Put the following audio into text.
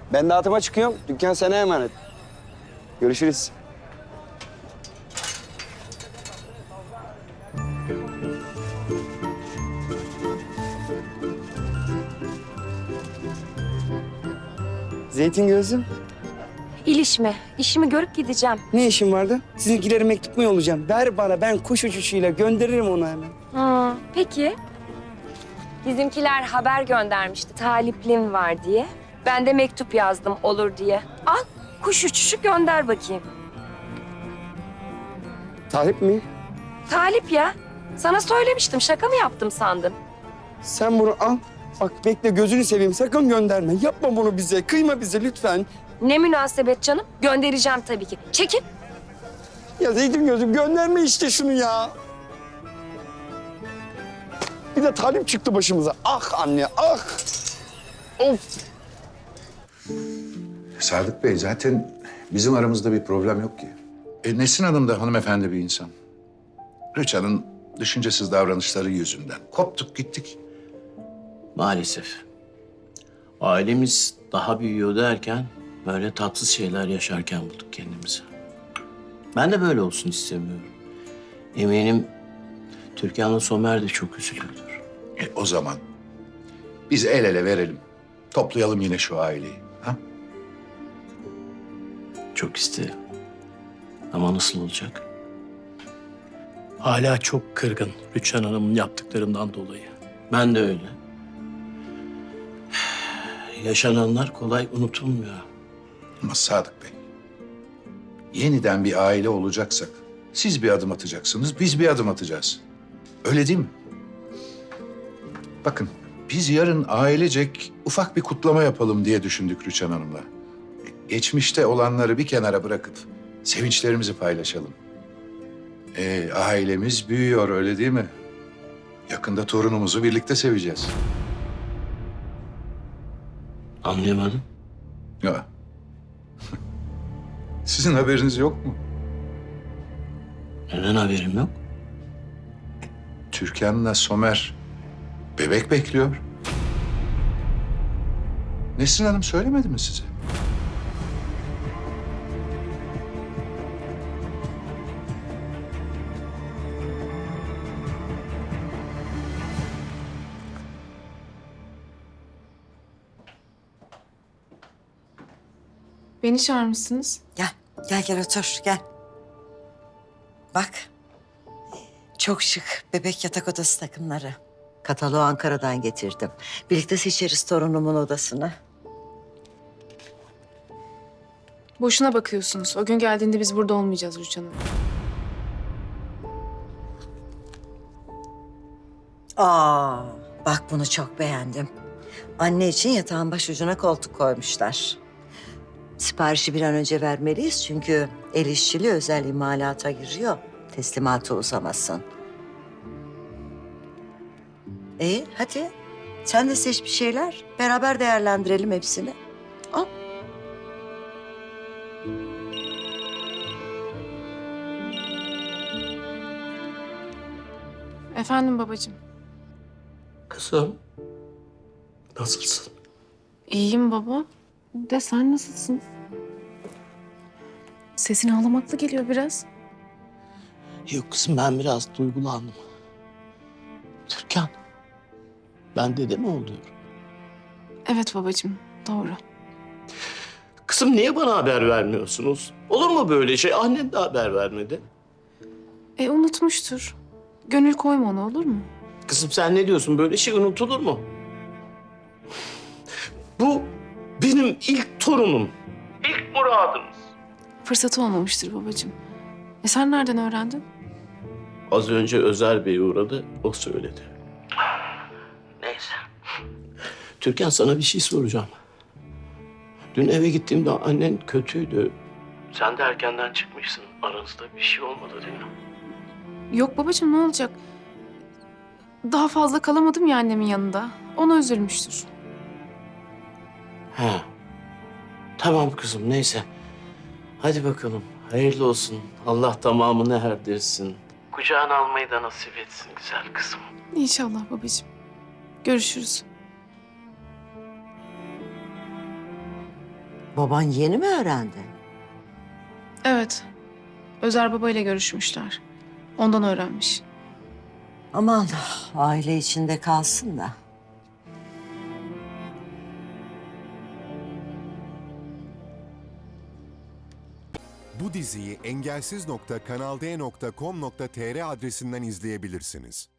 Ben dağıtıma çıkıyorum. Dükkan sana emanet. Görüşürüz. Zeytin gözüm. İlişme. İşimi görüp gideceğim. Ne işin vardı? Sizinkileri mektup mu yollayacağım? Ver bana, ben kuş uçuşuyla gönderirim onu hemen. Peki. Bizimkiler haber göndermişti taliplim var diye. Ben de mektup yazdım olur diye. Al kuş uçuşu gönder bakayım. Talip mi? Talip ya. Sana söylemiştim şaka mı yaptım sandın? Sen bunu al. Bak bekle, gözünü seveyim, sakın gönderme. Yapma bunu bize, kıyma bize lütfen. Ne münasebet canım. Göndereceğim tabii ki. Çekil. Ya Zeytin gözüm, gönderme işte şunu ya. Bir de talip çıktı başımıza. Ah anne, ah. Of. Sadık Bey, zaten bizim aramızda bir problem yok ki. Nesrin Hanım da hanımefendi bir insan. Rüçhan'ın düşüncesiz davranışları yüzünden koptuk gittik. Maalesef. Ailemiz daha büyüyor derken böyle tatsız şeyler yaşarken bulduk kendimizi. Ben de böyle olsun istemiyorum. Eminim Türkan'la Somer de çok üzülüyordur. O zaman biz el ele verelim. Toplayalım yine şu aileyi. Ha? Çok isterim. Ama nasıl olacak? Hala çok kırgın Rüçhan Hanım'ın yaptıklarından dolayı. Ben de öyle. Yaşananlar kolay unutulmuyor. Ama Sadık Bey, yeniden bir aile olacaksak siz bir adım atacaksınız, biz bir adım atacağız. Öyle değil mi? Bakın, biz yarın ailecek ufak bir kutlama yapalım diye düşündük Rüçhan Hanım'la. Geçmişte olanları bir kenara bırakıp sevinçlerimizi paylaşalım. Ailemiz büyüyor, öyle değil mi? Yakında torunumuzu birlikte seveceğiz. Anlayamadım. Ya. Sizin haberiniz yok mu? Neden haberim yok? Türkan'la Somer bebek bekliyor. Nesrin Hanım söylemedi mi size? Beni çağırmışsınız. Gel otur gel. Bak. Çok şık bebek yatak odası takımları. Kataloğu Ankara'dan getirdim. Birlikte seçeriz torunumun odasını. Boşuna bakıyorsunuz. O gün geldiğinde biz burada olmayacağız Rüçhan Hanım. Bak bunu çok beğendim. Anne için yatağın başucuna koltuk koymuşlar. Siparişi bir an önce vermeliyiz çünkü el işçiliği özel imalata giriyor. Teslimatı uzamasın. Hadi sen de seç bir şeyler. Beraber değerlendirelim hepsini. Al. Efendim babacığım. Kızım, nasılsın? İyiyim baba. De sen nasılsın? Sesin ağlamaklı geliyor biraz. Yok kızım, ben biraz duygulandım. Türkan, ben dede mi oluyorum? Evet babacığım, doğru. Kızım niye bana haber vermiyorsunuz? Olur mu böyle şey? Annen de haber vermedi. Unutmuştur. Gönül koyma ona, olur mu? Kızım sen ne diyorsun? Böyle şey unutulur mu? Bu benim ilk torunum. İlk muradımız. Fırsatı olmamıştır babacığım. Sen nereden öğrendin? Az önce Özer Bey uğradı, o söyledi. Neyse. Türkan, sana bir şey soracağım. Dün eve gittiğimde annen kötüydü. Sen de erkenden çıkmışsın. Aranızda bir şey olmadı değil mi? Yok babacığım, ne olacak? Daha fazla kalamadım ya annemin yanında. Ona üzülmüştür. He. Tamam kızım, neyse. Hadi bakalım, hayırlı olsun. Allah tamamını erdirsin. Kucağına almayı da nasip etsin güzel kızım. İnşallah babacığım. Görüşürüz. Baban yeni mi öğrendi? Evet. Özer Baba ile görüşmüşler. Ondan öğrenmiş. Aman aile içinde kalsın da. Bu diziyi engelsiz.kanalde.com.tr adresinden izleyebilirsiniz.